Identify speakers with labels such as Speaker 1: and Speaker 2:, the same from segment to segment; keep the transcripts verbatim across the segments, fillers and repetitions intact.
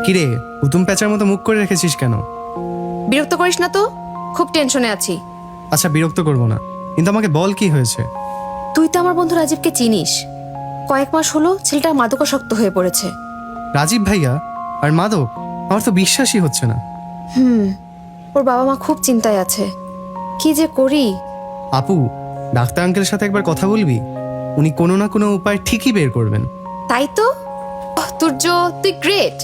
Speaker 1: কিরে, হুতুম প্যাঁচার মতো মুখ করে রেখেছিস কেন?
Speaker 2: বিরক্ত করিস না তো, খুব টেনশনে আছি।
Speaker 1: আচ্ছা, বিরক্ত করবো না, কিন্তু আমাকে বল কি হয়েছে।
Speaker 2: তুই তো আমার বন্ধু রাজীবকে চিনিস। কয়েক মাস হলো ছেলেটা মাদকাসক্ত হয়ে পড়েছে।
Speaker 1: রাজীব ভাইয়া আর মাদক? আমার তো বিশ্বাসই হচ্ছে না।
Speaker 2: হুম ওর বাবা মা খুব চিন্তায় আছে, কি যে করি।
Speaker 1: আপু, ডাক্তার আঙ্কেলের সাথে একবার কথা বলবি? উনি কোনো না কোনো উপায় ঠিকই বের করবেন।
Speaker 2: তাই তো। ওহ, তুর্য, তুই গ্রেট।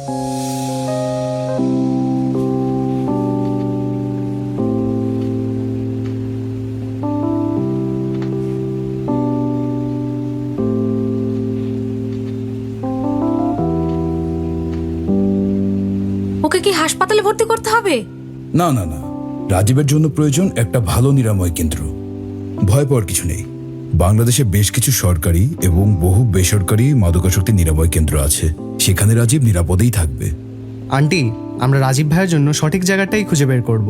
Speaker 3: ওকে কি হাসপাতালে ভর্তি করতে হবে?
Speaker 4: না না না, রাজীবের জন্য প্রয়োজন একটা ভালো নিরাময় কেন্দ্র। ভয় পাওয়ার কিছু নেই। বাংলাদেশে বেশ কিছু সরকারি এবং বহু বেসরকারি মাদকাসক্তি নিরাময় কেন্দ্র আছে, সেখানে রাজীব নিরাপদেই থাকবে।
Speaker 1: আন্টি, আমরা রাজীব ভাইয়ের জন্য সঠিক জায়গাটাই খুঁজে বের করব।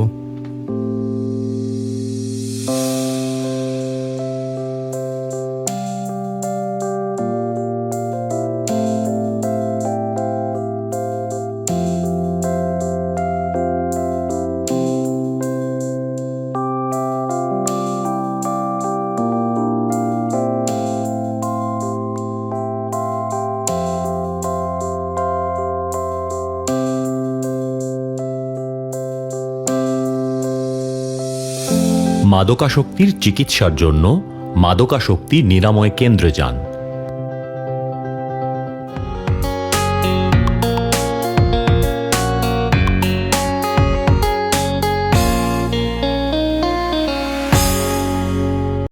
Speaker 5: মাদকাসক্তির চিকিৎসার জন্য মাদকাসক্তি নিরাময় কেন্দ্রে যান।